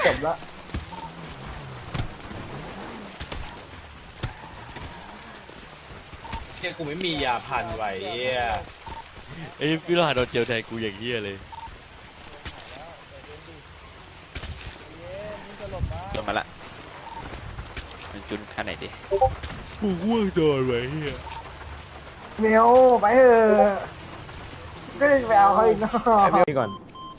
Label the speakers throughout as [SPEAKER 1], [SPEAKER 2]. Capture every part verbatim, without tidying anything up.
[SPEAKER 1] จบละเจ้ากูไม่มียาพันไว้
[SPEAKER 2] ไอ้พี่รหัสโดนเจียวแทนกูอย่างเงี้ยเลยโดนมาละมันจุนขั้นไหนดิกูว่างโดนไว้เฮีย
[SPEAKER 3] เมลไปเถอะก็จะไปเอาเขาอีกเนาะนี่ก่อน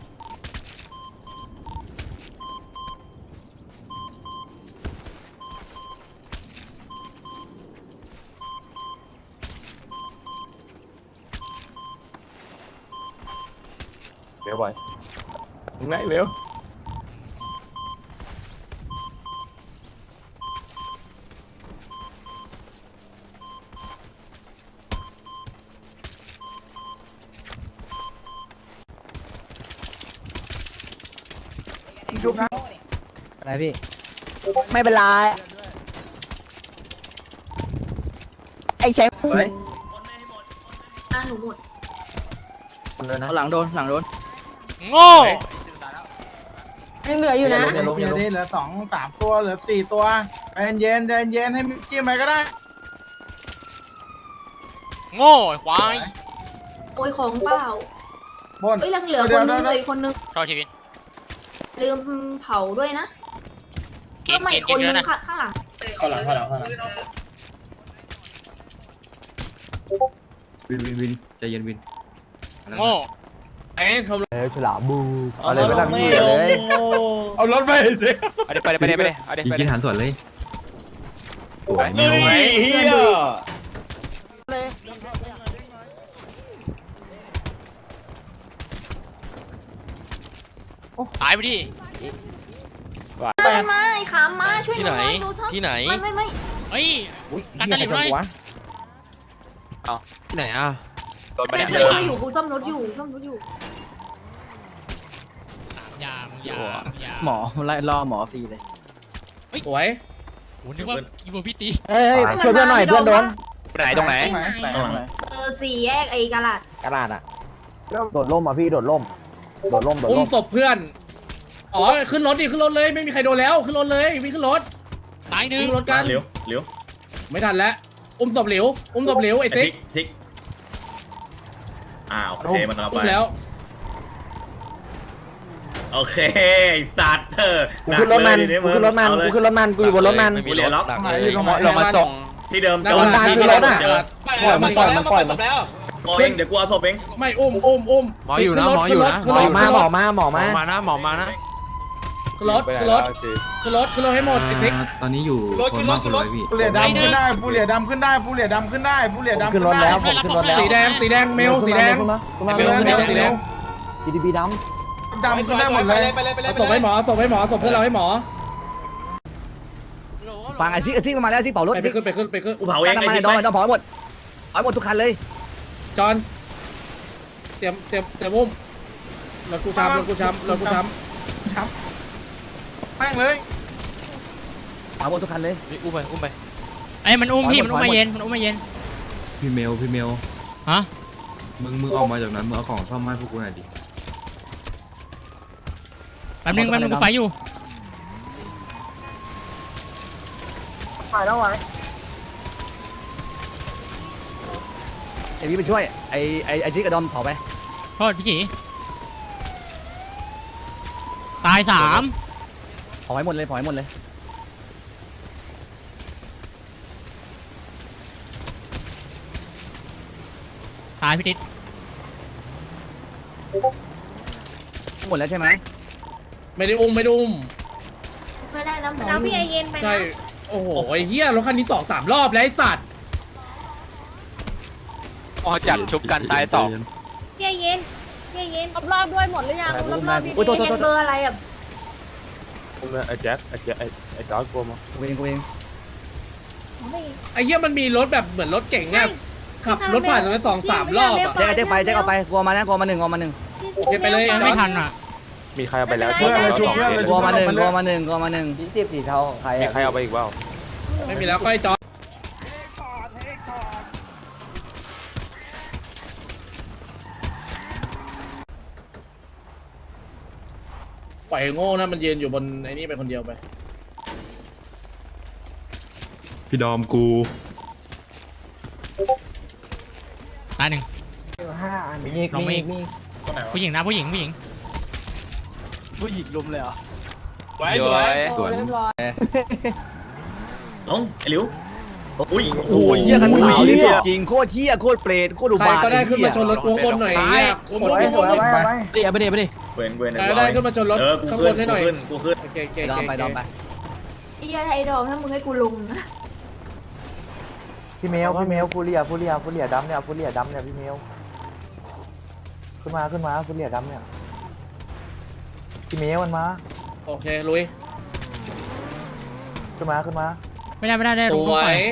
[SPEAKER 3] เร็วไปถึงไหนเร็วชุบนะอะไรพี่ไม่เป็นไรไอ้แชมป์
[SPEAKER 4] อ่ะหนูหมด
[SPEAKER 3] หลังโดนหลังโดน
[SPEAKER 2] โง่
[SPEAKER 4] ยังเหลืออยู่นะ
[SPEAKER 3] อย่าลงอย่าลงเหลือสองสามตัวเหลือสี่ตัวเย็นเย็นเย็นเย็นให้จิ้มไปก็ได้
[SPEAKER 2] โง่ควาย
[SPEAKER 4] โอ้ยของเปล่า
[SPEAKER 3] บน
[SPEAKER 4] เอ้ยยังเหลือคนนึงเลยคนนึง
[SPEAKER 2] ชอบชีวิต
[SPEAKER 4] ลืมเผาด้วยนะก็ไม่คนนึงข้างหลัง
[SPEAKER 3] เข้าหลังเข้าหลังเข้าหลังวินวินวินใจเย็นวิน
[SPEAKER 2] โง่
[SPEAKER 3] ไอ้ทำเอ้ฉลามบู
[SPEAKER 1] เอาเลยไปทำนี่เลย
[SPEAKER 3] เอารถไปสิ
[SPEAKER 2] เอาดิไปเลยไปเลยไปเลยเอาดิไปเลย
[SPEAKER 5] กินหันส่วนเลยสวย
[SPEAKER 1] เฮ้ยเฮีย
[SPEAKER 2] ตายไปดิ
[SPEAKER 4] มามาไอ้ขามมาช่วย
[SPEAKER 2] ที่
[SPEAKER 4] ห
[SPEAKER 2] ไหน
[SPEAKER 4] น่อยดูเถอะ
[SPEAKER 2] ที่ไหน
[SPEAKER 4] ไม่ไม่ไม่
[SPEAKER 2] เฮ้ยตัดตะหลิวเลยเอาที่ไหนอ่ะโดนไป
[SPEAKER 4] ไม่
[SPEAKER 2] เนี่ย
[SPEAKER 4] ไม่อยู่กูซ่อมรถอยู่ซ่อมรถอยู่
[SPEAKER 2] ยามยามยาม
[SPEAKER 3] หมอไล่ล่อหมอฟรีเลยสวย
[SPEAKER 2] โหนึกว่าอีโวพี่ตี
[SPEAKER 3] เอ้ยช่วยเพื่อนหน่อยเพื่อนโดน
[SPEAKER 2] ไหนตรงไหน
[SPEAKER 4] เออสี่แยกไอ้กะลาด
[SPEAKER 3] กระดาษอ่ะ
[SPEAKER 1] โดดล่มอ่ะพี่โดดล่มโดดล่มโดด
[SPEAKER 6] อุ้
[SPEAKER 1] ล่
[SPEAKER 6] ม
[SPEAKER 1] ม
[SPEAKER 6] ศพเพื่อน อ๋อ ขึ้นรถดิ ขึ้นรถเลย ไม่มีใครโดนแล้ว ขึ้นรถเลยวิ่งขึ้นรถ
[SPEAKER 2] ตายหนึ่ง
[SPEAKER 6] ขึ้นรถกัน
[SPEAKER 7] เหลียวเหลียว
[SPEAKER 6] ไม่ทันแล้ว อุ้มศพเหลว อุ้มศพเหลวไอ้ซิก
[SPEAKER 7] ซิกอ่าโอเคมันกำลังไป
[SPEAKER 6] อุ้มแล้ว
[SPEAKER 7] โอเคไอ้สัตว์เออ
[SPEAKER 3] กูขึ้นรถมันกูขึ้นรถมันกูขึ้นรถมันกูอยู่บนรถมัน
[SPEAKER 2] ไม่มีรถ
[SPEAKER 7] ล็อก
[SPEAKER 2] หลังเลยเรามาส่ง
[SPEAKER 7] ที่เดิม
[SPEAKER 6] หน้า
[SPEAKER 7] จอด
[SPEAKER 6] บ้าน
[SPEAKER 7] ที่
[SPEAKER 3] คือรถอะ
[SPEAKER 7] เจอ
[SPEAKER 3] ปล่อยมันปล่อยมันปล่อยมัน
[SPEAKER 7] โอ้ยเดี๋ยวกูเอาศพเอง
[SPEAKER 6] ไม่อุ้มอุ้มอุ้ม
[SPEAKER 5] หมออยู่นะหมออยู่นะ
[SPEAKER 6] ขึ้น
[SPEAKER 3] หม
[SPEAKER 6] ร
[SPEAKER 3] อ
[SPEAKER 6] ถ
[SPEAKER 3] มาหมอมาหมอ
[SPEAKER 5] หม
[SPEAKER 3] มา
[SPEAKER 5] อมานะหมอมานะ
[SPEAKER 6] ขึ้นรถขึ้นรถขึ้นรถขึ้นรถให้หมดไอ้ซิก
[SPEAKER 5] ตอนนี้อยู่คนมากคนร้อยพี่
[SPEAKER 3] ฟูเหลียดำขึ้นได้ฟูเหลียดำขึ้นได้ฟูเหลียดำขึ้นได้ฟูเหลียดำขึ้นได้
[SPEAKER 1] ผมขึ้นรถแล้ว
[SPEAKER 6] สีแดง สีแดง เมล สีแดง
[SPEAKER 1] ขึ้นมา
[SPEAKER 6] เมลสีแดงสีแดง
[SPEAKER 1] จีดีบีด
[SPEAKER 3] ดำขึ้นได้หมดเลย
[SPEAKER 6] เอาศพให้หมอศพให้หมอศพเพื่อนเราให้หมอ
[SPEAKER 3] ฟังไอ้ซิกไอ้ซิกมาแล้วซิกเป่ารถ
[SPEAKER 6] ไป
[SPEAKER 3] ซิก
[SPEAKER 6] ขึ้นไปขึ้นไปขึ้น
[SPEAKER 7] กูเผาเอง
[SPEAKER 3] น้ำ
[SPEAKER 7] ไอ้
[SPEAKER 3] มัน
[SPEAKER 7] ที่
[SPEAKER 3] ด
[SPEAKER 7] ไป
[SPEAKER 3] อยดอยเผาหมดเอาหมดทุกคันเลย
[SPEAKER 6] จอน เตรียมเตรียมเตรียมอุ้มรถกูช้ำรถกูช้ำรถกูช้ำ
[SPEAKER 3] แม่งเลยเอาหมดทุกคันเลย
[SPEAKER 2] อุ้มไปอุ้มไปไอ้มันอุ้มพี่มันอุ้มมาเย็นมันอุ้มมาเย็น
[SPEAKER 5] พี่เมลพี่เมล
[SPEAKER 2] ฮะ
[SPEAKER 5] มึงมึงออกมาจากนั้นมึงเอาของซ่อมให้พวกกูหน่อยดิ
[SPEAKER 2] แป๊บนึงแป๊บนึงกูไฟอยู่
[SPEAKER 3] ไปแล้วไว้ไอ้พี่ไปช่วยไอ้ไอ้ไอ้ซิกกับดอมเผาไป
[SPEAKER 2] โทษพี่จีตายสาม
[SPEAKER 3] เผาให้หมดเลยเผาให้หมดเลย
[SPEAKER 2] ตายพี่ติ๊ด
[SPEAKER 3] หมดแล้วใช่ไหม
[SPEAKER 6] ไม่ได้อุ้มไม่ได้อุ้ม
[SPEAKER 4] ไม่ได้นะหมอ
[SPEAKER 8] น้ำพี่ไอเย็นไป
[SPEAKER 6] ใช่
[SPEAKER 8] นะ
[SPEAKER 6] โอ้โหไอ้เหี้ยรถคันนี้สองสามรอบแล้วไอ้สัตว์
[SPEAKER 2] อ๋อจัดชุบกันตายต่อ
[SPEAKER 8] พี่ไอเย็นพี่ไอเย็นรอบๆด้วยหมดหรือยังรอบๆพี่
[SPEAKER 3] โอ้ยโทษ
[SPEAKER 4] ไอ้
[SPEAKER 3] โทษ
[SPEAKER 4] เย็น
[SPEAKER 3] โท
[SPEAKER 4] เบอ
[SPEAKER 3] ษ
[SPEAKER 4] ร์อะไรอ่ะ
[SPEAKER 1] ไอ้แจ็คไอ้แจ็คไอ้ไอ้จอร์ดกลัวมั้ง
[SPEAKER 3] กูเองกูเอง
[SPEAKER 6] ไอ้เหี้ยมันมีรถแบบเหมือนรถเก่งเนี่ยขับรถผ่านตรงนั้นสองสามรอบอะ
[SPEAKER 3] แจ็คแจ็คไปแจ็คเอาไปกลัวมานะกลัวมาหนึ่งกลัวมาหนึ่ง
[SPEAKER 6] โอเคไปเลย
[SPEAKER 2] ไม่ทันอ่ะ
[SPEAKER 1] มีใครเอาไปแล้ว
[SPEAKER 3] เพื่อนเลยชุบเพื่อนเลยกลัวมาหนึ่งกลัวมาหนึ่งกลัวมาหนึ่ง
[SPEAKER 1] พี่จีบสีเทาของใครมีใครเอาไปอีกเปล่า
[SPEAKER 6] ไม่มีแล้วก็ไอ้จอร์จ
[SPEAKER 3] ก
[SPEAKER 6] ปล่อยไอ้โง่นะมันยืนอยู่บนไอ้นี่ไปคนเดียวไป
[SPEAKER 5] พี่ดอมกู
[SPEAKER 9] ตายหนึ่ง
[SPEAKER 3] ห้าอัน
[SPEAKER 9] มีน้องมีผู้หญิงนะผู้หญิงผู้หญิง
[SPEAKER 1] ผู้หญิงลุมเลยเหรอ
[SPEAKER 2] สวยสวย
[SPEAKER 5] สวน
[SPEAKER 7] ลงไอ้หลิวอุ้ย
[SPEAKER 10] โอ้ยเหี้ยคันขาวนี่สดจริงโคตรเหี้ยโคตรเปรตโคตรอุ
[SPEAKER 6] ใคร
[SPEAKER 10] บาท
[SPEAKER 6] ก็ได้ขึ้นมาชนรถกูข้างบนหน่อยเนี่ยกดให้กดให้
[SPEAKER 3] ไปไป
[SPEAKER 1] เดี๋ยวไปเดี๋ยวไปดิ
[SPEAKER 7] เวนเวน
[SPEAKER 6] ใครก็ได้ขึ้นมาชนรถ
[SPEAKER 7] เออกู
[SPEAKER 6] ข้างบ
[SPEAKER 7] ขึ้น
[SPEAKER 6] นให้หน่อย
[SPEAKER 7] กูขึ้นกูขึ้น
[SPEAKER 6] โอเคโอเค
[SPEAKER 10] ดอมไปดอมไป
[SPEAKER 4] ไอ้เหี้ยไอ้ดอมถ้ามึงให้กูลุงนะ
[SPEAKER 3] พี่เมลพี่เมลฟูเรียฟูเรียฟูเรียดำเนี่ยฟูเรียดำเนี่ยพี่เมลขึ้นมาขึ้นมาฟูเรียดำเนี่ยพี่เมลมันมา
[SPEAKER 6] โอเคลุย
[SPEAKER 3] ขึ้นมาขึ้นมา
[SPEAKER 9] ไม่ได้ไม่ได้ได้
[SPEAKER 6] ส
[SPEAKER 9] ลง
[SPEAKER 6] ว
[SPEAKER 9] ไป
[SPEAKER 6] ย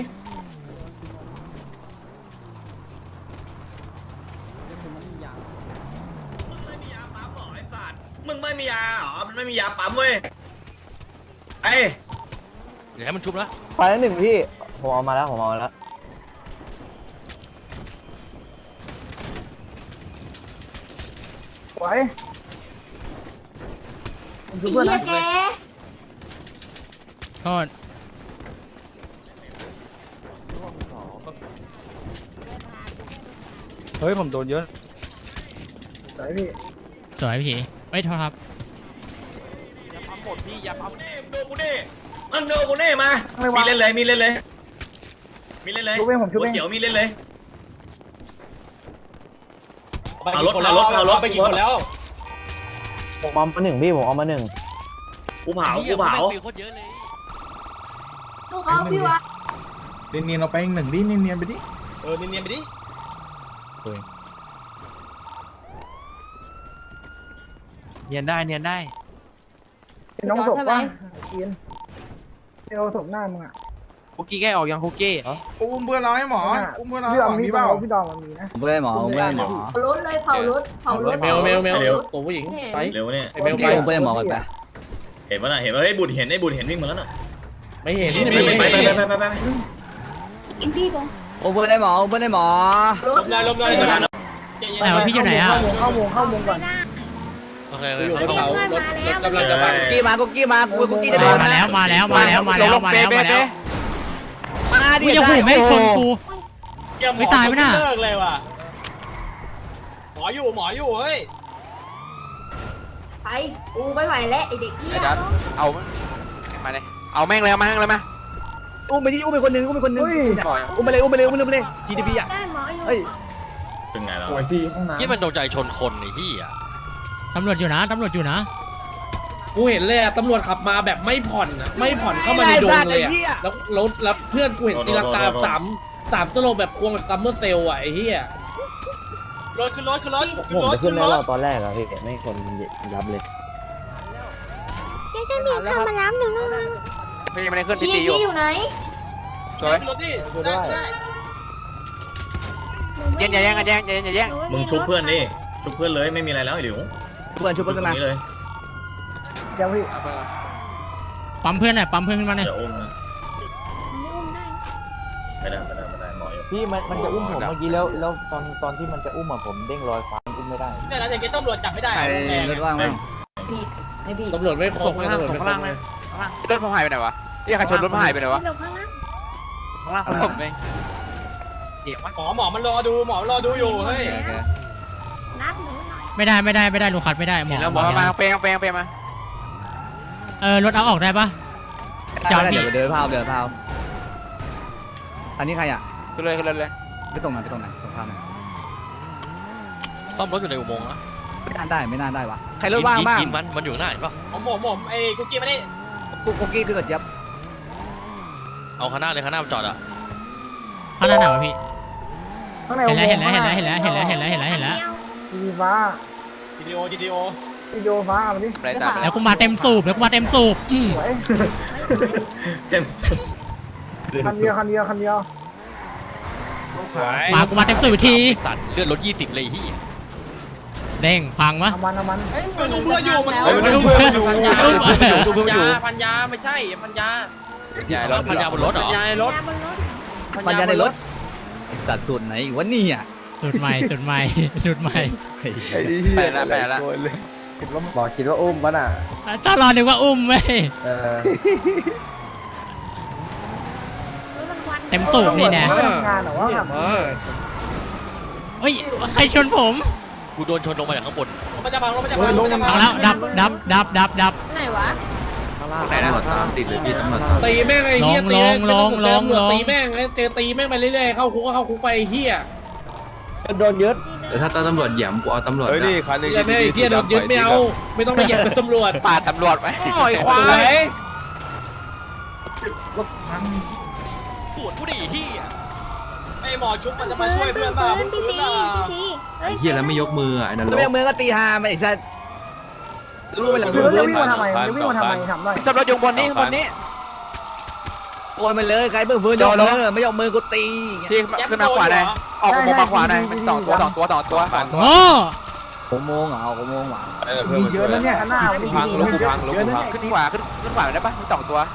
[SPEAKER 7] มึงไม่มียาเหรอมันไม่มียาปั๊มเว้ยไอ้
[SPEAKER 2] เดี๋ยวให้มันชุบแล้ว
[SPEAKER 3] ไปแล้วหนึ่งพี่ผมเอามาแล้วผมเอามาแล้วไหว
[SPEAKER 4] ไอ้เหี้ยแก
[SPEAKER 9] โทษ
[SPEAKER 1] เฮ้ยผมโดนเยอะ
[SPEAKER 3] ไหวพี่
[SPEAKER 9] สวยพี่ไม่โทษครับ
[SPEAKER 7] หมดพี่ยาปั๊มนี่มึงดูกูดิมึงดูกูนี่มามีเล่นเลยมีเล่นเลยมีเล่นเลย
[SPEAKER 3] ชุบเองผมชุบ
[SPEAKER 7] หัว
[SPEAKER 3] เอง
[SPEAKER 7] เขียวมีเล่นเลย
[SPEAKER 6] ไปกี่คนแล้วไปกี่คนแล้ว
[SPEAKER 3] ผมเอามาหนึ่งพี่ผมเอามาหนึ่ง
[SPEAKER 7] กูเผากูเผา
[SPEAKER 2] โคตรเยอะเลย
[SPEAKER 4] กูเขาพี่วะ
[SPEAKER 5] เนียนๆเราไปหนึ่งดิเนียนๆไปดิ
[SPEAKER 6] เออเนียนๆไปดิ
[SPEAKER 1] เนียนได้เนียนได้
[SPEAKER 3] น้องศพป่ะกินเอวศพหน้ามึงอ่ะ
[SPEAKER 1] คุกกี้แกออกยังคุกกี้
[SPEAKER 5] อุ้มเพื่อนเราให้หมออุ้มเพื่อนเรา
[SPEAKER 3] พี่
[SPEAKER 5] ให้
[SPEAKER 3] ดอ
[SPEAKER 5] ห
[SPEAKER 3] ม
[SPEAKER 5] มอ
[SPEAKER 3] มี
[SPEAKER 5] มี
[SPEAKER 3] เป
[SPEAKER 5] เป
[SPEAKER 3] ล่า
[SPEAKER 5] ล่า
[SPEAKER 3] พี่ดอมมันมีนะ
[SPEAKER 10] ผมไม่ได้หมอผมไม่ได้หมอ
[SPEAKER 4] เผารถเลยเผารถเผารถ
[SPEAKER 6] เมลเมลเมลตัวผู้หญิงไป
[SPEAKER 7] เร็วเนี่ย
[SPEAKER 6] ไอ้เมลไป
[SPEAKER 10] ผมไม่ได้หมอกันไป
[SPEAKER 7] เห็นปะน่ะเห็นปะเฮ้ยบุญเห็นไอ้บุญเห็นวิ่งมาแล้วน่ะ
[SPEAKER 6] ไม่เห็น
[SPEAKER 7] ไป
[SPEAKER 6] ไม่
[SPEAKER 7] ไป
[SPEAKER 6] เห็น
[SPEAKER 7] ไปไปไปไป
[SPEAKER 8] กินพี่ก่อน
[SPEAKER 10] ผมไม่ได้หมอผมไม่ได้หมอ
[SPEAKER 4] รถ
[SPEAKER 6] ลมเลยลมเลย
[SPEAKER 9] แต่ว่าพี่อยู่ไหนอ่ะ
[SPEAKER 3] เข้าวงเข้าวงก่อน
[SPEAKER 2] โอเค
[SPEAKER 6] อยู่บนเขารถรถกำลังจะมา
[SPEAKER 10] กุ๊กกี้มากุ๊กกี้มากุ๊กกี้จะโดน
[SPEAKER 9] มาแล้วมาแล้วมาแล้วมาแล้วมาแล้วมาแล้ว
[SPEAKER 10] มาดิ
[SPEAKER 9] กูจะหูแม่งชนกู ไม่ตายไหมน่ะ
[SPEAKER 6] เลิกเลยว่ะหมออยู่หมออยู่เฮ้ย
[SPEAKER 4] ไปกูไม่ไหวแล้วไอ้เด็กเหี้ย
[SPEAKER 2] เอามาเลยเอาแม่งเลยเอาแม่งเลยมา
[SPEAKER 10] อุ้มไปดิอุ้มไปคนนึงอุ้มไปคนนึง
[SPEAKER 3] เฮ้ย
[SPEAKER 10] อุ้มไปเลยอุ้มไปเลยอุ้มไปเลย จี ดี พี อ่ะ
[SPEAKER 8] ได้หมออยู่
[SPEAKER 10] เฮ้ย
[SPEAKER 7] ถึงไงแล้ว
[SPEAKER 2] ที่มันโดนใจชนคนไอ้ที่อ่ะ
[SPEAKER 9] ตำรวจอยู่นะตำรวจอยู่นะ
[SPEAKER 6] กูเห็นเลยอะตำรวจขับมาแบบไม่ผ่อนอะไม่ผ่อนเข้ามาในดงเลยอะแล้วรถแล้วเพื่อนกูเห็นตีลังกาสามสามตลบแบบควงแบบซัมเมอร์เซลอะไอ้เหี้ยรถขึ้นรถขึ้นรถ
[SPEAKER 3] ผมจะขึ้นในรอบตอนแรกอะพี่ไม่คนยับเลย
[SPEAKER 8] เจ๊จะมีเข้ามาล้ำหนึ่งแล้วนะ
[SPEAKER 2] พี่ยังไม่ได้ขึ้นพี่
[SPEAKER 4] ชี้
[SPEAKER 2] ตีอยู่
[SPEAKER 4] ชี้อยู่ไหน
[SPEAKER 2] สวย
[SPEAKER 6] รถดิ
[SPEAKER 3] ดูได้
[SPEAKER 2] เย็นอย่าแย่งกันแย่งอย่าแย่งอย่าแย่ง
[SPEAKER 7] มึงชุบเพื่อนดิชุบเพื่อนเลยไม่มีอะไรแล้วไอ้หลิว
[SPEAKER 10] เพื่อนชุบเพื่อนขึ้นมา
[SPEAKER 7] นี้เลย
[SPEAKER 3] เดี๋ยวพี่
[SPEAKER 9] ปั๊มเพื่อนหน่อยปั๊มเพื่อนขึ้นมาหน่อย
[SPEAKER 7] จะอุ้มนะ
[SPEAKER 8] ไม่อุ้มได้
[SPEAKER 7] ไม่ได้ไม่ได้ไม่ได้หมออยู่
[SPEAKER 3] พี่มันมันจะอุ้มผมเมื่อกี้แล้วแล้วตอนตอนที่มันจะอุ้มอะผมเด้งลอยฟ้าอุ้มไม่ได้
[SPEAKER 6] เนี่ยนะอย่างเงี้ยตำรวจจับไม่ได้
[SPEAKER 10] ใครรถว่างมั้ง
[SPEAKER 4] พี่ไม่พี่
[SPEAKER 6] ตำรวจไม่ครบ
[SPEAKER 1] ข้างล่างข้างล่างเลย
[SPEAKER 2] รถผมหายไปไหนวะที่ใครชนรถผมหายไปไหนวะ
[SPEAKER 8] หลบข้างล่าง
[SPEAKER 1] ข้างล่าง
[SPEAKER 2] ผมเอง
[SPEAKER 1] เดี๋ยวมัน
[SPEAKER 6] หมอหมอมันรอดูหมอรอดูอยู่เฮ้ย
[SPEAKER 8] นัดหนูหน่อย
[SPEAKER 9] ไม่ได้ไม่ได้ไม่ได้ลูกคัดไม่ได้หมอ
[SPEAKER 2] แล้วหมอมาเปย์เปย์เปย์มา
[SPEAKER 9] เออรถเอาออกได้ปะ
[SPEAKER 10] จอดเดี๋ยวเดินพาวเดินพาวอันนี้ใครอ่ะ
[SPEAKER 2] ขึ้นเลยขึ้นเลยเลย
[SPEAKER 10] ไปส่งหน่อยไปส่งหน่อยส่งพาวหน่อย
[SPEAKER 2] ซ่อมรถอยู่ในอุโมงค์นะ
[SPEAKER 10] ไม่น่าได้ไม่น่าได้วะใครรถว่างบ้าง
[SPEAKER 2] กินมันมันอยู่หน้าเห็นปะ
[SPEAKER 6] ผมผมผมไอ้กุ๊กกี้มาดิ
[SPEAKER 10] กุ๊กกุ๊กกี้คือกับเจี๊ยบ
[SPEAKER 2] เอาข้างหน้าเลยข้างหน้ามันจอดอ่ะ
[SPEAKER 9] ข้างหน้าไหนวะพี่
[SPEAKER 3] ข้างใน
[SPEAKER 9] เห็นแล้วเห็นแล้วเห็นแล้วเห็นแล้วเห็นแล้วเห็นแล้วเห็นแล้วเห็นแล้ว
[SPEAKER 3] ทีฟ้า
[SPEAKER 6] วิดีโอวิดีโอ
[SPEAKER 3] วิดีโอฟ้ามาดิ
[SPEAKER 2] อะไรตาม
[SPEAKER 9] แล้วกูมาเต็มสูบแล้วกูมาเต็มสูบอืม
[SPEAKER 3] สวย
[SPEAKER 7] เจมส์
[SPEAKER 3] คันเดียวคันเดียวคันเดียว
[SPEAKER 9] มากูมาเต็มสูบอีกที
[SPEAKER 2] ตัดเลือดรถยี่สิบเลยที่
[SPEAKER 9] เด้งพังมะ
[SPEAKER 3] เอามันเอามัน
[SPEAKER 6] มันดูเพื่อนอยู่มัน
[SPEAKER 2] เฮ้ยมันดูเพื่อนอยู่ดูเพื่อนอยู่
[SPEAKER 1] พันยาไม่ใช่พันยา
[SPEAKER 2] ใหญ่รถพันยาบนรถเหรอ
[SPEAKER 1] พันยาในรถ
[SPEAKER 8] ยาบนรถ
[SPEAKER 10] ปัญญาในรถสัตว์สูตรไหนวะนี่อ่ะ
[SPEAKER 9] สุดใหม่สุดใหม่สุดใหม่
[SPEAKER 2] ไปแล้วไปแล้ว
[SPEAKER 10] ไ
[SPEAKER 3] บอกคิดว่าอุ้มปะน่ะ
[SPEAKER 9] เจ้ารอนึกว่าอุ้มเว้ย
[SPEAKER 3] เออ
[SPEAKER 9] เต็มสูบนี่แน่
[SPEAKER 6] งานหรอวะมา
[SPEAKER 9] เฮ้ยใครชนผม
[SPEAKER 2] กูโดนชนลงมาจากข้างบน
[SPEAKER 6] มันจะพังมันจะพังมันจะพั
[SPEAKER 9] เอา
[SPEAKER 6] ง
[SPEAKER 9] แล้วดับดับดับดับดับ
[SPEAKER 8] ไหนวะ
[SPEAKER 2] ได้นะ
[SPEAKER 10] ติดเลยพี่ตำรวจ
[SPEAKER 6] ตีแม่งไอ้เหี้ย
[SPEAKER 9] ล
[SPEAKER 6] ตี
[SPEAKER 9] ง
[SPEAKER 6] แม่ง
[SPEAKER 9] ลงลงลง
[SPEAKER 6] ตีแม่งเจอตีแม่งไปเรื่อยๆเข้าคุกก็เข้าคุกไปไอ้เหี้ย
[SPEAKER 3] โดนยึด
[SPEAKER 10] เดี๋ยวถ้าตำรวจเหยี่ยมกูเอาตำรวจ
[SPEAKER 1] เฮ้ยนี่คันนี้
[SPEAKER 6] อย่าแม่ไอ้เหี้ยโดนยึดไม่เอาไม่ต้องไปเหยียบเป็นตำรวจ
[SPEAKER 2] ปาดตำรวจไว้
[SPEAKER 6] โอ้ยควาย
[SPEAKER 2] ปวดผู้ดีที่
[SPEAKER 6] ไอ้หมอชุบมันจะมา
[SPEAKER 8] ปื
[SPEAKER 6] ช่วย
[SPEAKER 8] นปื
[SPEAKER 6] เพื่อน
[SPEAKER 8] น
[SPEAKER 6] มา
[SPEAKER 8] ปืนพี่ซีพี่ซีเฮ้ย
[SPEAKER 10] เฮียแล้วไม่ยกมือไอ้นั่น
[SPEAKER 3] เรียกมือก็ตีหาไปไอ้สัสรู้ไปหลัง
[SPEAKER 1] จะ
[SPEAKER 3] รู้
[SPEAKER 1] วิ่งมาทำไมจะวิ่งมาทำไม
[SPEAKER 3] ทำได้
[SPEAKER 2] ตำรวจอยู่บนนี้บนนี้
[SPEAKER 3] โกนมันเลยใครเพิ่งฟื้นยกมือไม่ยกมือกูตี
[SPEAKER 2] ที่ขึ้นมาขวาได้ออกมาขวาได้มันสองตัวสองตัวสองตัวสองตัว
[SPEAKER 9] โอ้
[SPEAKER 3] หกโมงเหรอหกโมงหวาน
[SPEAKER 1] มีเยอะแล้วเนี่ยหน้าพังลูกกูพังลูกกูพัง
[SPEAKER 2] ขึ้นขวาขึ้นขึ้นขวาได้ปะมีสองตัว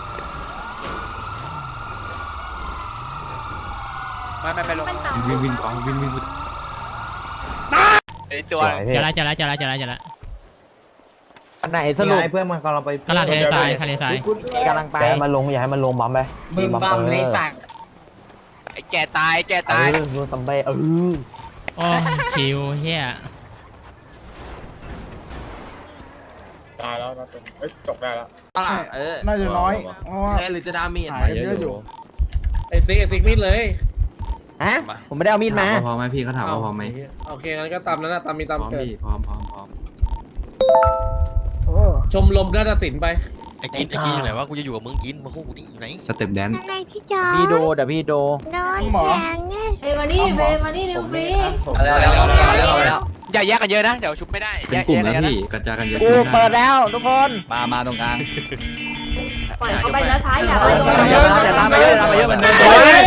[SPEAKER 2] ไม่ไม่ไม่ลง
[SPEAKER 8] มันต่
[SPEAKER 10] วิ่งวิ่งกองวิ่งวิ่ง
[SPEAKER 2] ไอตัว
[SPEAKER 9] เจอแล้วเจอแล้วเจอแล้วเจอแล้วเจอแล้ว
[SPEAKER 3] อันไหนสรุปเพื่อนมันกำลังไป
[SPEAKER 9] กระดาษทะเลทรายทะเลทราย
[SPEAKER 3] กำลังไปมันลงอย่าให้มันลงบัมไป
[SPEAKER 6] มึงบัมเลยสัก
[SPEAKER 2] ไอแกตายแกตาย
[SPEAKER 3] เออตัมเบเออ
[SPEAKER 9] โอ้ชิวเฮีย
[SPEAKER 1] ตายแล้วนะเอ้ยจบได้แล้ว
[SPEAKER 5] เออน่าจะน้อยเพราะว่า
[SPEAKER 10] หรือจะดามีด
[SPEAKER 5] หายเยอะอยู่
[SPEAKER 6] ไอ้ซิกไอ้ซิกมิดเลย
[SPEAKER 3] ฮะผมไม่ได้เอามีดมา
[SPEAKER 10] พร้อมไหมพี่เขาถามว่าพร้อมไหม
[SPEAKER 6] โอเคงั้นก็ตามนั้นนะตามมี
[SPEAKER 10] พร้
[SPEAKER 6] ตาม
[SPEAKER 10] อม
[SPEAKER 6] เกิด
[SPEAKER 10] พี่พร้อมพร้อมพร้อม
[SPEAKER 6] ชมรมนาฏศิลป์ไป
[SPEAKER 2] ไอกินไอกินอยู่ไหนวะกูจะอยู่กับมึงกินมาคู่กูนี่อยู่ไหน
[SPEAKER 10] สเต็ปแดน
[SPEAKER 8] อะไรพี่จอ
[SPEAKER 3] พี่โดเดี๋ยวพี่โด
[SPEAKER 8] โดน
[SPEAKER 5] หมอ
[SPEAKER 8] แทงเนี่ย
[SPEAKER 4] เบมานี่เบมานี่เร็วเบ
[SPEAKER 3] แล้วแล้วแล้วแล้ว
[SPEAKER 2] อย่าแยกกันเยอะนะเดี๋ยวชุบไม่ได้
[SPEAKER 10] เป็นกลุ่มแล้วพี่กระจายกันเยอะ
[SPEAKER 3] กูเปิดแล้วทุกคน
[SPEAKER 10] มามาตรงกลาง
[SPEAKER 4] ปล่อยเขาไปนะซ้ายอย่าไปตรง
[SPEAKER 3] ตาม
[SPEAKER 4] นั้น
[SPEAKER 3] เยอะแต่ตามไปเยอะตามไปเยอะมันเดิน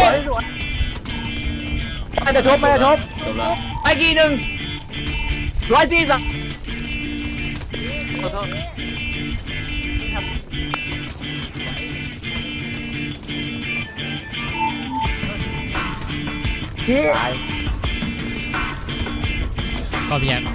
[SPEAKER 3] ไม่จะชบไม่จะชบ
[SPEAKER 10] จบแล้ว
[SPEAKER 3] ไปกี่หนึ่งร้อยสี่สิบ
[SPEAKER 2] ขอโทษ
[SPEAKER 3] พี่
[SPEAKER 9] ก็เพียง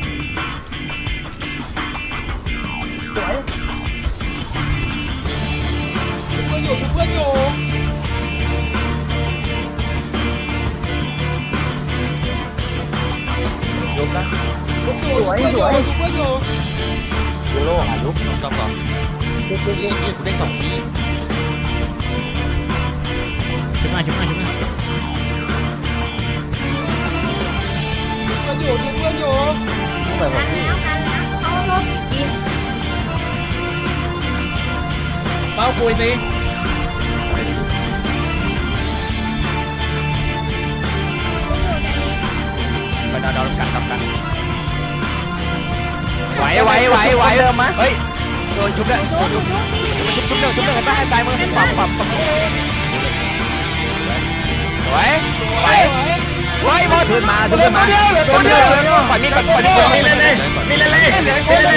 [SPEAKER 3] สวยสวย
[SPEAKER 2] ยูโรหาลุกสองสองสองกูกูกูกูได้สองที
[SPEAKER 9] ชุบมาชุบมาชุบมา
[SPEAKER 3] ไปหมด
[SPEAKER 8] ทันแล้วทันแล้ว
[SPEAKER 4] เอารถกิน
[SPEAKER 6] เป้าคุยสิ
[SPEAKER 2] ไปนอนนอนกันกันไหวไหวไหวไหวเดิมมั้ยเฮ้ยโดนชุบเลยโดนชุบชุบชุบหนึ่งชุบหนึ่งให้ให้ตายมึงปับปับปับไหวไหวไหวหมด
[SPEAKER 3] ขึ้นมาขึ้นมา
[SPEAKER 2] ตัวเดียวปล่อยมีดปล่อยมีด
[SPEAKER 7] มีเล่นเลยมีเล่นเลยมีเล่นเลย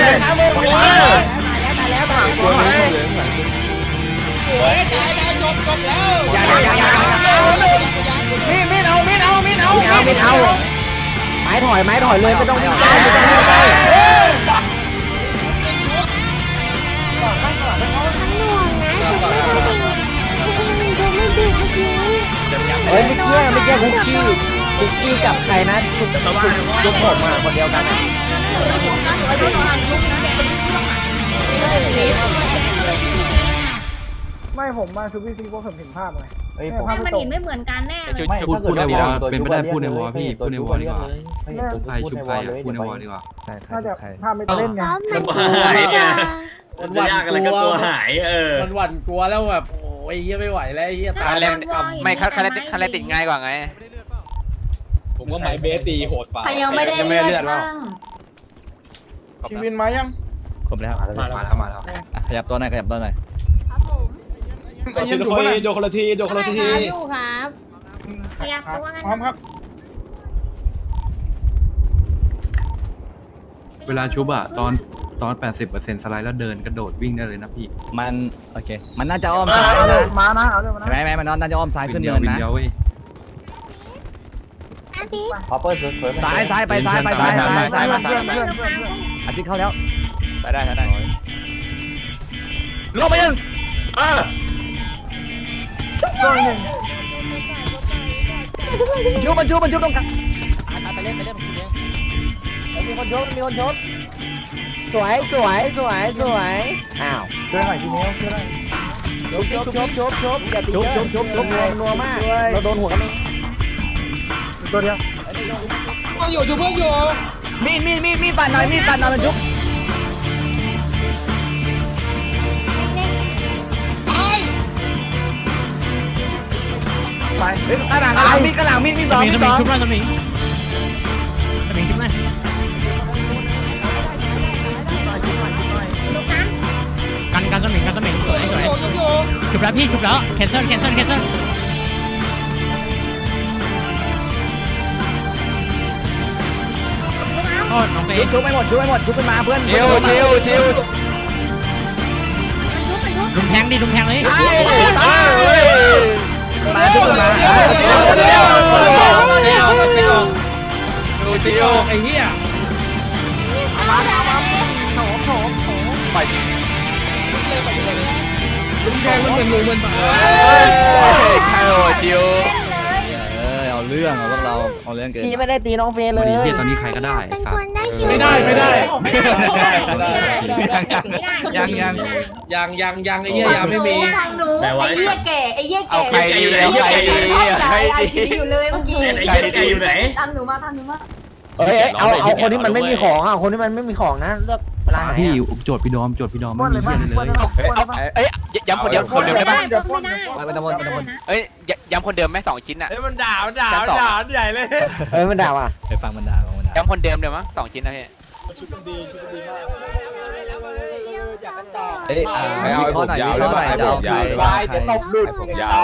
[SPEAKER 2] อย่าอย่าอย่า
[SPEAKER 3] มีดมีดเอามีดเอามีดเอามีดเอามีดเอาไม้ถอยไม้ถอยเลยไม่ต้องไม่ต้องไม่ต้องไม่ต้อง
[SPEAKER 8] ทั้งหน่วงนะถูกไม่ถูกถูกไม่ถูกเมื่อกี้
[SPEAKER 3] เฮ้ยไม่เกี่ยวไม่เกี่ยวคุกกี้คุกกี้กับใครนะคุกคุกยกผมอ่ะคนเดียวกันอ่ะ
[SPEAKER 4] อยู่ในหัวนะอยู่ในหัวหันลุกนะคนที่ต้องหัน
[SPEAKER 5] ไม่ผมมาชูพี่ซีเพราะผมเห็นภาพไง
[SPEAKER 3] เฮ้ยผม
[SPEAKER 8] มันเห็นไม่เหมือนกันแน่
[SPEAKER 2] ชุบ
[SPEAKER 3] ไม่
[SPEAKER 2] ชุบ
[SPEAKER 3] ถ้าเกิดว่าเป็นไปได้พูดในวอพี่
[SPEAKER 10] พูดในวอดีกว่า
[SPEAKER 3] ใครชุบใครอ่ะพูดในวอดีกว่า
[SPEAKER 5] น่าจะภาพไม่เล่นไง
[SPEAKER 8] ซ้อมมัน
[SPEAKER 7] หายเนี่ย
[SPEAKER 6] มัน
[SPEAKER 7] จะยากอะไรก็กลัวหายเออ
[SPEAKER 6] มันหวั่นกลัวแล้วแบบโอ้ยเหี้ยไม่ไหวแล้วเหี้ยตา
[SPEAKER 2] คาย แร
[SPEAKER 6] แล้
[SPEAKER 2] ง
[SPEAKER 6] ว
[SPEAKER 2] ไม่คาคาแรติคาแรติดง่ายกว่าไง
[SPEAKER 1] ผมว่าไม้เบสตีโหดฝ่า
[SPEAKER 4] ใครยังไม่ได้เลือดบ้าง
[SPEAKER 5] ชีวินมายัง
[SPEAKER 10] ครบแล้วมาแล้วมาแล้วขยับตัวหน่อยขยับตัวหน่อย
[SPEAKER 4] ครับผม
[SPEAKER 5] ไอ้ยังอยู่ปะเนี่ย
[SPEAKER 1] โดนคนละทีโดนคนละที
[SPEAKER 8] ครับอยู่ครับขยับตัวกัน
[SPEAKER 5] พร้อมครับ
[SPEAKER 10] เวลาชุบอะตอนตอน แปดสิบเปอร์เซ็นต์ สไลด์แล้วเดินกระโดดวิ่งได้เลยนะพี่มันโอเคมันน่าจะอ้อมซ้ายนะ
[SPEAKER 5] มานะเอาเลยมานะ
[SPEAKER 10] ไหมไหมมันน่าจะอ้อมซ้ายขึ้นเนินนะ
[SPEAKER 8] ห้าสิดิ
[SPEAKER 3] พอเปิดเปิด
[SPEAKER 2] ซ้ายซ้ายไปซ้ายไปซ้ายซ้ายซ้ายมา
[SPEAKER 5] เพื่อนเพื่อนเพื่อนเพื่อน
[SPEAKER 2] อาทิตย์เข้าแล้ว
[SPEAKER 1] ไปได้ไปได้
[SPEAKER 2] ลงไปยัง
[SPEAKER 7] เออ
[SPEAKER 5] ตัวหนึ่ง
[SPEAKER 2] ชุบมันชุบมันชุบตรงกลาง
[SPEAKER 3] ไปเล่นไปเล่นผมเลี้ยงมีคนชกมีคนชกสวยสวยสวยสวยอ้าวช่วยหน่อยพี่เมลช่วยหน่อยชกชกชกชกอย่าตีเยอะชกชกชกนัวนัวมากเราโดนหัวกันเอง
[SPEAKER 5] ตัวเดียว
[SPEAKER 2] มีดมีดมีดมีดปัดหน่อยมีดปัดหน่อยมันชุบไปเฮ้ยกระหลังกระหลังมีดกระหลังมีดมีด
[SPEAKER 9] ส
[SPEAKER 2] สอง
[SPEAKER 9] มิง
[SPEAKER 2] มี
[SPEAKER 9] ส
[SPEAKER 2] ดส
[SPEAKER 9] มิง
[SPEAKER 2] อง
[SPEAKER 9] ชุบมาสมิงสมิงชุบมากันกันสมิงกันสมิงสวยสวยชุบแล้วพี่ชุบแล้วแคนเซิลแคนเซิลแคนเซิลโอ้น้องเฟ
[SPEAKER 2] ชุบ
[SPEAKER 9] ย์
[SPEAKER 2] ชุบไม่หมดชุบไม่หมดชุบขึ้นมาเพื่อน
[SPEAKER 3] ชิวชิวชิว
[SPEAKER 9] ลุมแทงดิลุมแทงเลย
[SPEAKER 2] มาชุบขึ้นมาชุบขึ้นมา
[SPEAKER 6] เดี๋ยวเดี๋ยวเดี๋ยวดูจิโอไอ้เหี้ยลุงแทงมันเหมือนหมูเหมือนหมา
[SPEAKER 2] ใช่โอ้จิว
[SPEAKER 3] เออเอาเรื่องเอาพวกเราเอาเรื่องเกิน
[SPEAKER 2] พี่ไม่ได้ตีน้องเฟยเล
[SPEAKER 10] วัน
[SPEAKER 2] ย
[SPEAKER 10] นี้เฮียตอนนี้ใครก็ได้
[SPEAKER 8] เป็น
[SPEAKER 10] สั
[SPEAKER 8] ค
[SPEAKER 10] ต
[SPEAKER 8] น
[SPEAKER 10] ว์
[SPEAKER 8] ได้อยู่
[SPEAKER 6] ไม่ได้ไม่ได้
[SPEAKER 10] ยังยัง
[SPEAKER 6] ยังยังยังไอ้เหี้ยยังไม่มี
[SPEAKER 4] ทางหนูไอ้เหี้ยแก่ไอ้เหี้ยแก่
[SPEAKER 7] เอาใครดี
[SPEAKER 4] ไอ้เหี้ย
[SPEAKER 7] เอาใคร
[SPEAKER 4] แก่
[SPEAKER 7] ดี
[SPEAKER 4] ชอบใจอาชีอยู่เลยเมื่อกี้
[SPEAKER 7] ไอ้เหี้ยแก่อยู่ไหน
[SPEAKER 4] ตามหนูมาตามหนูมา
[SPEAKER 3] เอ้ยเอาเอาคนที่มันไม่มีของอ่ะคนที่มันไม่มีของนะเลือกเวลาไหน
[SPEAKER 10] พี่โจทย์พี่ดอมโจทย์พี่ดอม
[SPEAKER 5] ป้
[SPEAKER 10] ไม่
[SPEAKER 5] นเล
[SPEAKER 10] มี
[SPEAKER 5] ย
[SPEAKER 10] เฮี
[SPEAKER 5] มั้
[SPEAKER 10] ย
[SPEAKER 5] ย
[SPEAKER 10] เลย
[SPEAKER 5] ป้นเลยมั้ย
[SPEAKER 2] เอ้ยย้ำคนเดียวคนเดิมได้ปะ
[SPEAKER 5] เดี๋ยวป้น
[SPEAKER 2] ไปตะมนไปตะมน
[SPEAKER 11] เอ้ยย้ำคนเดิมไหมสองชิ้นอ่ะ
[SPEAKER 1] เฮ้ยมันด่ามันด่ามันด่าใหญ่เลย
[SPEAKER 3] เอ้ยมันด่าว่ะ
[SPEAKER 10] ไปฟังมันด่าฟังมันด่า
[SPEAKER 11] ย้ำคนเดิมเดี๋ยวมั้งสองชิ้นนะพี่
[SPEAKER 3] เอ้ย
[SPEAKER 2] ไม่เอาข้อหน่อยข้อหน่อยเดี๋ยว
[SPEAKER 3] วายจะตบดุด
[SPEAKER 1] ยาว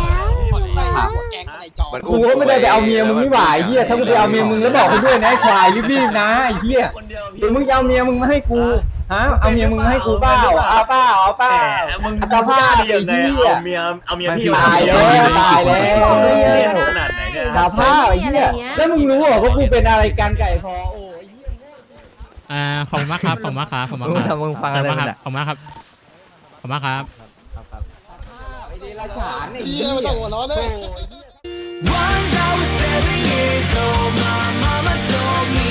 [SPEAKER 3] กูก็ไม่ได้ไปเอาเมียมึงไม่ไหวเฮียถ้ากูไปเอาเมียมึงแล้วบอกไปด้วยนะไอ้ควายรีบๆนะไอ้เฮียหรือมึงจะเอาเมียมึงมาให้กูฮะเอาเมียมึงมาให้กูเปล่าเอาเปล่าเอาเปล่า
[SPEAKER 7] มึง
[SPEAKER 3] จะพลาด
[SPEAKER 7] ดียังไง
[SPEAKER 3] ไอ้เหี้ย
[SPEAKER 7] เอาเมียเอาเมียพี่
[SPEAKER 3] ตายแล้วตายแล้ว
[SPEAKER 7] เล่นขนาดไหนเนี่ย
[SPEAKER 3] สาภาพไอ้เหี้ยแล้วมึงรู้เหรอว่ากูเป็นอะไรกันไก่พอโอ้ย
[SPEAKER 9] อ่าขอบคุณมากครับขอบคุณมากครับขอบคุณมากครับ
[SPEAKER 2] มึงฟังอะไร
[SPEAKER 9] ขอบคุณ
[SPEAKER 2] มึ
[SPEAKER 9] มาง กครับขอบคุณมากครับขอบคุณมากครับ
[SPEAKER 3] ไอ้เดรัจฉานไอ้เหี้ยไม่ต้องหัวร้อนเลย
[SPEAKER 2] Once I was seven years old, my mama told me